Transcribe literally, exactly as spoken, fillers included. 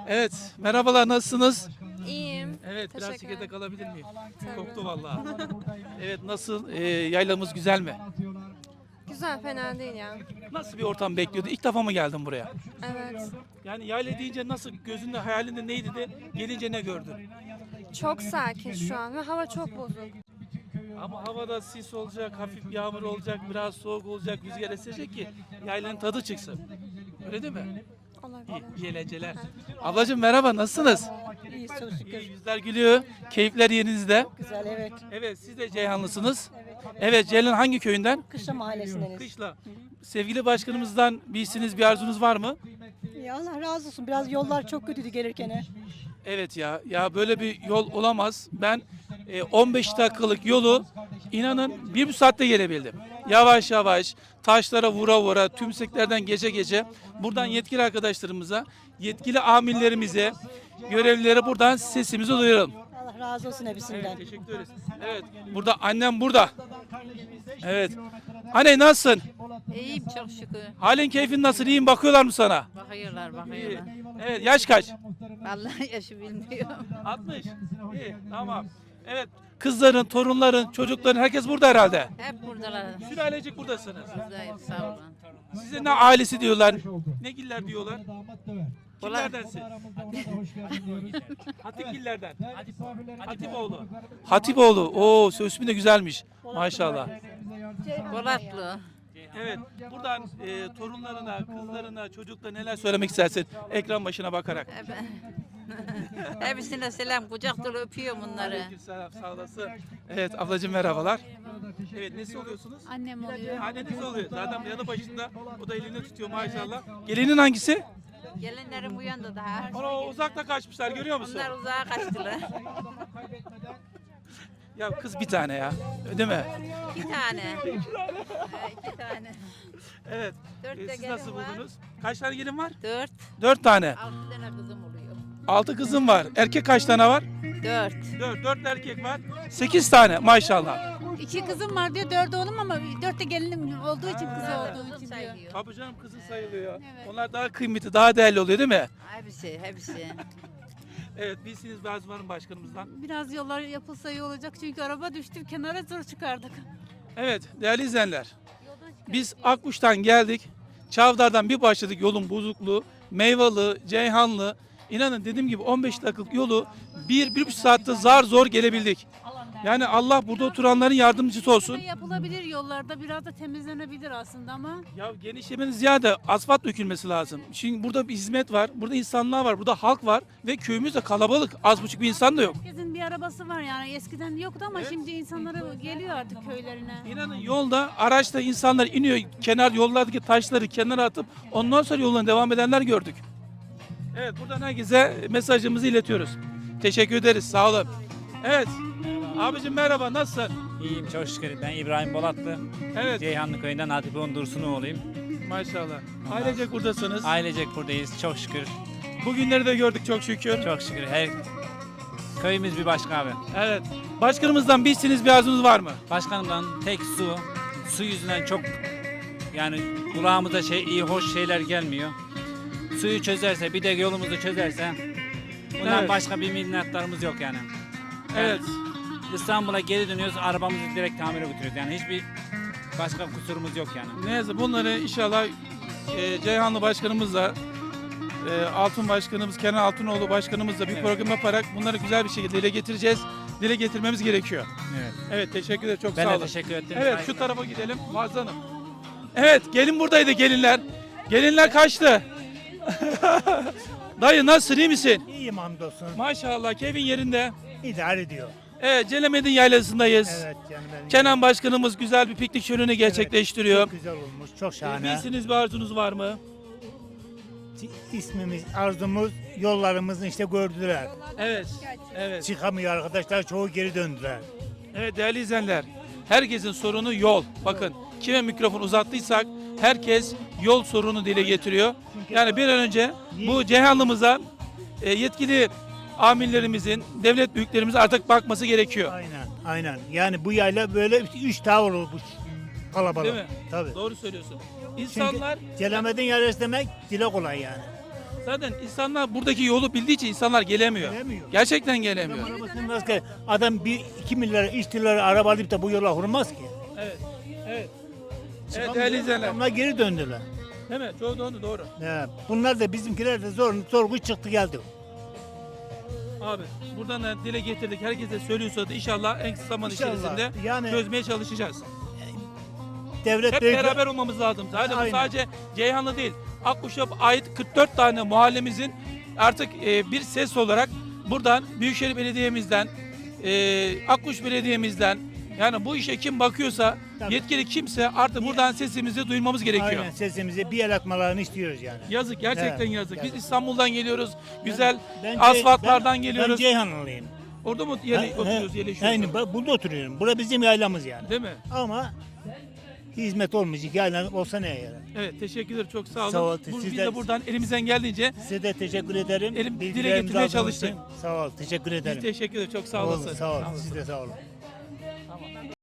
Evet, merhabalar, nasılsınız? İyiyim. Evet, biraz Teşekkür çekirdek alabilir miyim? Tabii. Koktu vallahi. Evet, nasıl? Ee, yaylamız güzel mi? Güzel, fena değil ya. Nasıl bir ortam bekliyordu? İlk defa mı geldin buraya? Evet. Yani yayla deyince nasıl, gözünde, hayalinde neydi de gelince ne gördün? Çok sakin şu an ve hava çok bozuk. Ama havada sis olacak, hafif yağmur olacak, biraz soğuk olacak, rüzgar esecek ki yaylanın tadı çıksın. Öyle değil mi? Olabilir. İyi, iyi eğlenceler. Ablacığım merhaba, nasılsınız? İyi çok şükür. İyi, yüzler gülüyor, keyifler yerinizde. Güzel evet. Evet, siz de Ceyhanlısınız. Evet, Ceylan hangi köyünden? Kışla mahallesindeniz. Kışla. Sevgili başkanımızdan bir isteğiniz, bir arzunuz var mı? Ya Allah razı olsun. Biraz yollar çok kötüydü gelirken. Evet ya, ya böyle bir yol olamaz. Ben e, on beş dakikalık yolu inanın bir buçuk saatte gelebildim. Yavaş yavaş, taşlara vura vura, tümseklerden gece gece. Buradan yetkili arkadaşlarımıza, yetkili amirlerimize, görevlilere buradan sesimizi duyuralım. Allah razı olsun hepsinden. Evet, teşekkür ederiz. Evet, burada annem burada. Evet. Anne nasılsın? İyiyim çok şükür. Halin keyfin nasıl? İyiyim, bakıyorlar mı sana? Bakıyorlar İyi. bakıyorlar. Evet, yaş kaç? Vallahi yaşı bilmiyorum. altmış. İyi, tamam. Evet, kızların, torunların, çocukların herkes burada herhalde. Hep buradalar. Sülalecik buradasınız. Buradayız sağ olun. Size ne ailesi diyorlar, ne giller diyorlar? Ulan. Kimlerdensin? Hatipgillerden. Hatipoğlu. Hatipoğlu. Oo, ismi de güzelmiş. Maşallah. Polatlı. Evet, buradan e, torunlarına, kızlarına, çocuklarına neler söylemek istersin? Ekran başına bakarak. Hep- Hepsine selam kucak dolu öpüyorum bunları. Aleykümselam, sağ olasın. Evet, ablacığım merhabalar. Evet, nesi oluyorsunuz? Annem oluyor. Anneniz oluyor. Zaten yanı başında, o da elini tutuyor maşallah. Gelinin hangisi? Gelinlerim uyandı daha. Ana uzakta kaçmışlar, görüyor musun? Onlar uzağa kaçtılar. Ya kız bir tane ya, değil mi? İki tane. Ee, İki tane. Evet. Dört Ee, de siz gelin nasıl var. buldunuz? Kaç tane gelin var? Dört. Dört tane. Altı tane kızım oluyor. Altı kızım var. Erkek kaç tane var? Dört. Dört. Dört erkek var. Sekiz tane maşallah. İki kızım var diyor, dört oğlum ama dört de gelinim olduğu için, kızı olduğu Kızım için diyor. sayıyor. Tabii canım, kızın sayılıyor. Evet. Onlar daha kıymetli, daha değerli oluyor değil mi? Hepsi, hepsi. Evet, bilsiniz bazı varım başkanımızdan. Biraz yollar yapılsa iyi olacak çünkü araba düştü, kenara zor çıkardık. Evet, değerli izleyenler. Biz Akkuş'tan geldik. Çavdar'dan bir başladık yolun bozukluğu. Meyvalı, Ceyhanlı. İnanın dediğim gibi on beş dakikalık yolu bir, bir buçuk saatte zar zor gelebildik. Yani Allah burada oturanların yardımcısı olsun. Yapılabilir yollarda, biraz da temizlenebilir aslında ama Ya genişlemenin ziyade asfalt dökülmesi lazım. Şimdi burada bir hizmet var, burada insanlar var, burada halk var ve köyümüz de kalabalık. Az buçuk bir insan da yok. herkesin bir arabası var yani eskiden yoktu ama Evet. şimdi insanlara geliyor artık köylerine. İnanın yolda, araçta insanlar iniyor, kenar yollardaki taşları kenara atıp ondan sonra yoluna devam edenler gördük. Evet, buradan herkese mesajımızı iletiyoruz. Teşekkür ederiz, sağ olun. Evet, abicim merhaba, nasılsın? İyiyim çok şükür. Ben İbrahim Bolatlı. Evet, Ceyhanlı köyünden Hatipoğlu Dursunoğlu'yum. maşallah. Ailecek buradasınız. Ailecek buradayız çok şükür. Bugünleri de gördük çok şükür. Çok şükür. Her köyümüz bir başka abi. Evet, başkanımızdan bir isteğiniz, bir arzunuz var mı? Başkanımdan tek su. Su yüzünden çok yani kulağımıza şey iyi hoş şeyler gelmiyor. Suyu çözerse bir de yolumuzu çözerse bundan Evet. başka bir minnettarımız yok yani. Evet. İstanbul'a geri dönüyoruz arabamızı direkt tamire götürüyoruz. Yani hiçbir başka kusurumuz yok yani. Neyse bunları inşallah e, Ceyhanlı başkanımızla e, Altun başkanımız Kenan Altunoğlu başkanımızla bir Evet. program yaparak bunları güzel bir şekilde dile getireceğiz. Dile getirmemiz gerekiyor. Evet. Evet, teşekkür ederim, çok Ben sağ de olun. teşekkür ettim. Evet, şu tarafa gidelim Muazzez Hanım. Evet, gelin buradaydı, gelinler. Gelinler kaçtı. Dayı nasılsın, iyi misin? İyiyim hamdolsun. Maşallah, keyfin yerinde. İdare ediyor. Evet, Celemedin Yaylası'ndayız. Evet canım benim. Kenan başkanımız güzel bir piknik şöleni gerçekleştiriyor. Çok güzel olmuş. Çok Ee, şahane. bir isteğiniz, bir arzunuz var mı? İsmimiz, arzumuz, yollarımızı işte gördüler. Evet, evet. Çıkamıyor arkadaşlar. Çoğu geri döndüler. Evet değerli izleyenler, herkesin sorunu yol. Bakın kime mikrofon uzattıysak herkes yol sorunu dile getiriyor. Yani bir an önce bu Ceyhanlımıza e, yetkili amirlerimizin, devlet büyüklerimizin artık bakması gerekiyor. Aynen. Aynen. Yani bu yayla böyle üç tavır olmuş. Kalabalık. Değil mi? Tabii. Doğru söylüyorsun. Çünkü İnsanlar Celemedin yarısı demek dile kolay yani. Zaten insanlar buradaki yolu bildiği için insanlar gelemiyor. Gelemiyor. Gerçekten gelemiyor. Adam arabasını nasıl gel- Adam bir iki milyar, üç lira araba alıp da bu yola vurmaz ki. Evet. Evet. Evet Çıkamıyor. değerli izleyenler. Adamlar geri döndüler. Değil mi? Çoğu doğru. doğru. He, bunlar da bizimkiler de zor, zor güç çıktı geldi. Abi buradan da dile getirdik. Herkese söylüyorsa da inşallah en kısa zaman İnşallah. içerisinde Yani- çözmeye çalışacağız. Devlet Hep büyük- beraber olmamız lazım. Zaten bu Aynen. sadece Ceyhanlı değil. Akkuş'a ait kırk dört tane mahallemizin artık e, bir ses olarak buradan Büyükşehir Belediye'mizden, e, Akkuş Belediye'mizden, yani bu işe kim bakıyorsa, Tabii. yetkili kimse artık buradan sesimizi duyurmamız gerekiyor. Aynen sesimizi bir el atmalarını istiyoruz yani. Yazık, gerçekten Evet, yazık. Biz yazık. İstanbul'dan geliyoruz, güzel Ben- asfaltlardan ben- geliyoruz. Ben Ceyhanlıyım. Orada mı yeri, He, oturuyoruz, he, yerleşiyoruz? Aynen, bak burada oturuyorum. Bura bizim yaylamız yani. Değil mi? Ama hizmet olmayacak yayla olsa ne yarar? Evet, teşekkür ederim. Çok sağ olun. Sağ ol, Bu- siz biz de- de buradan elimizden geldiğince Size de teşekkür ederim. Elim- dile Bilgilerinizi getirmeye aldığınız çalıştık. için Sağ ol, teşekkür biz ederim. teşekkür ederiz. Çok sağ Olun, olasın. sağ ol. Siz de sağ olun.